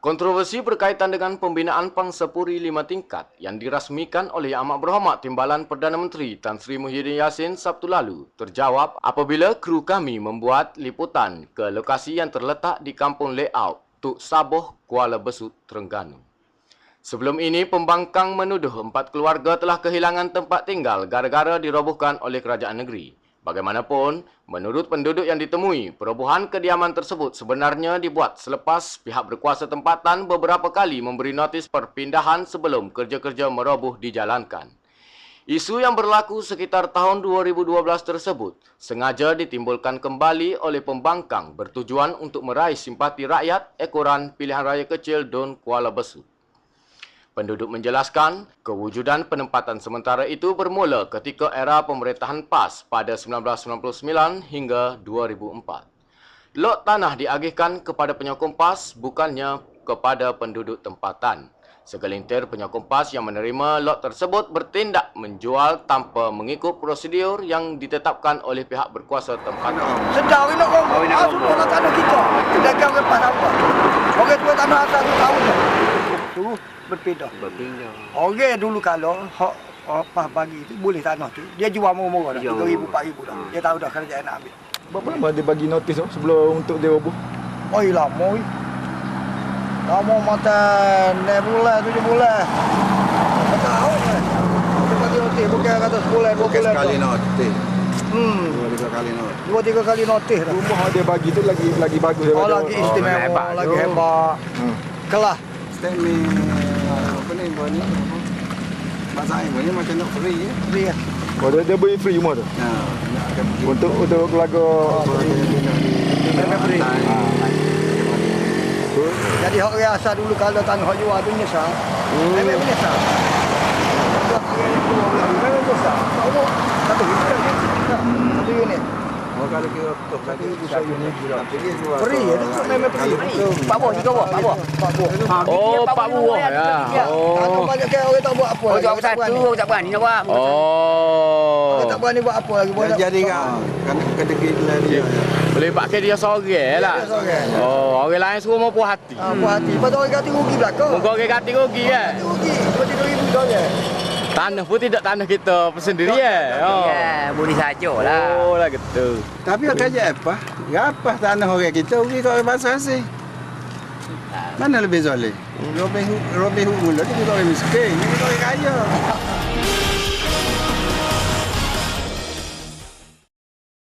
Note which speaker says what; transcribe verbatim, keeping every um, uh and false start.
Speaker 1: Kontroversi berkaitan dengan pembinaan Pangsapuri lima tingkat yang dirasmikan oleh Yang Amat Berhormat Timbalan Perdana Menteri Tan Sri Muhyiddin Yassin Sabtu lalu terjawab apabila kru kami membuat liputan ke lokasi yang terletak di Kampung Layout, Tuk Saboh, Kuala Besut, Terengganu. Sebelum ini, pembangkang menuduh empat keluarga telah kehilangan tempat tinggal gara-gara dirobohkan oleh kerajaan negeri. Bagaimanapun, menurut penduduk yang ditemui, perobohan kediaman tersebut sebenarnya dibuat selepas pihak berkuasa tempatan beberapa kali memberi notis perpindahan sebelum kerja-kerja meroboh dijalankan. Isu yang berlaku sekitar tahun dua ribu dua belas tersebut sengaja ditimbulkan kembali oleh pembangkang bertujuan untuk meraih simpati rakyat ekoran pilihan raya kecil Dun Kuala Besut. Penduduk menjelaskan, kewujudan penempatan sementara itu bermula ketika era pemerintahan P A S pada seribu sembilan ratus sembilan puluh sembilan hingga dua ribu empat. Lot tanah diagihkan kepada penyokong P A S bukannya kepada penduduk tempatan. Segelintir penyokong P A S yang menerima lot tersebut bertindak menjual tanpa mengikut prosedur yang ditetapkan oleh pihak berkuasa tempatan.
Speaker 2: Sedar nak roboh. Ah, semua nak tanah kita. Pedagang lepas apa? Orang tua tanah atas tu tahu tak? Tu berpindah.
Speaker 3: Berpindah.
Speaker 2: Orang dulu kalau hak apa bagi tu boleh tanah tu, dia jual murah-murah dah. tiga ribu empat ribu dah. Dia tahu dah kerajaan nak ambil.
Speaker 4: Berapa lama dia bagi notis tu sebelum untuk dia roboh?
Speaker 2: Oi lama oi. Lama mata enam bulan, tujuh bulan. Tak tahu kan. Dia bagi notis bukan kata sebulan, dua bulan.
Speaker 3: Sekali notis.
Speaker 2: Hmm.
Speaker 3: Dua tiga kali notis.
Speaker 2: Dua tiga kali notis dah.
Speaker 4: Rumah dia bagi tu lagi lagi bagus
Speaker 2: Oh,
Speaker 4: daripada
Speaker 2: lagi istimewa,
Speaker 3: hebat
Speaker 2: lagi
Speaker 3: tu.
Speaker 2: hebat.
Speaker 4: Hmm.
Speaker 2: Kelas.
Speaker 3: Statement apa ni buat ni? Bahasa Inggeris ni macam nak free ya.
Speaker 2: Dia.
Speaker 4: Oh, dia, dia beri free rumah tu.
Speaker 3: Ha, nak ada pergi
Speaker 4: Untuk untuk keluarga
Speaker 2: Memang free.
Speaker 3: Ha.
Speaker 2: Jadi hak rasa dulu kalau tanah hak jual tu menyesal. Memang menyesal. Memang menyesal. Tahu satu unit. Satu unit.
Speaker 3: Oh, kalau kira betul tadi satu unit gila.
Speaker 2: Free ya, tu memang free.
Speaker 5: Pak Buah juga buah, Pak Buah.
Speaker 2: Pak buah.
Speaker 1: Oh, Pak Buah ya.
Speaker 2: Tanah
Speaker 1: Oh.
Speaker 2: banyak kan orang tak buat apa.
Speaker 5: Oh,
Speaker 2: lagi,
Speaker 5: jual
Speaker 2: orang tak
Speaker 5: satu,
Speaker 2: berani.
Speaker 5: orang tak berani nak buat.
Speaker 1: Oh.
Speaker 2: Orang tak berani buat apa lagi.
Speaker 3: Dah
Speaker 2: Buat
Speaker 3: jadi kan kena kedekit lah dia.
Speaker 1: Boleh pakai dia seorang lah.
Speaker 2: Dia seorang.
Speaker 1: Oh, orang lain suruh mau puas hati.
Speaker 2: Ah, puas hati. Lepas tu orang kata rugi belakang.
Speaker 1: Muka orang kata rugi kan?
Speaker 2: Rugi. dua tiga ribu dolar.
Speaker 1: Tanah pun tidak tanah kita sendiri ya. Oh.
Speaker 5: Ya, boleh sajalah.
Speaker 1: Oh lah gitu.
Speaker 3: Tapi kerja apa? Apa tanah orang kita rugi kat orang bangsa asing. Mana lebih zalim? Robin Hood, Robin Hood mula dia kita orang miskin, ni kita orang kaya.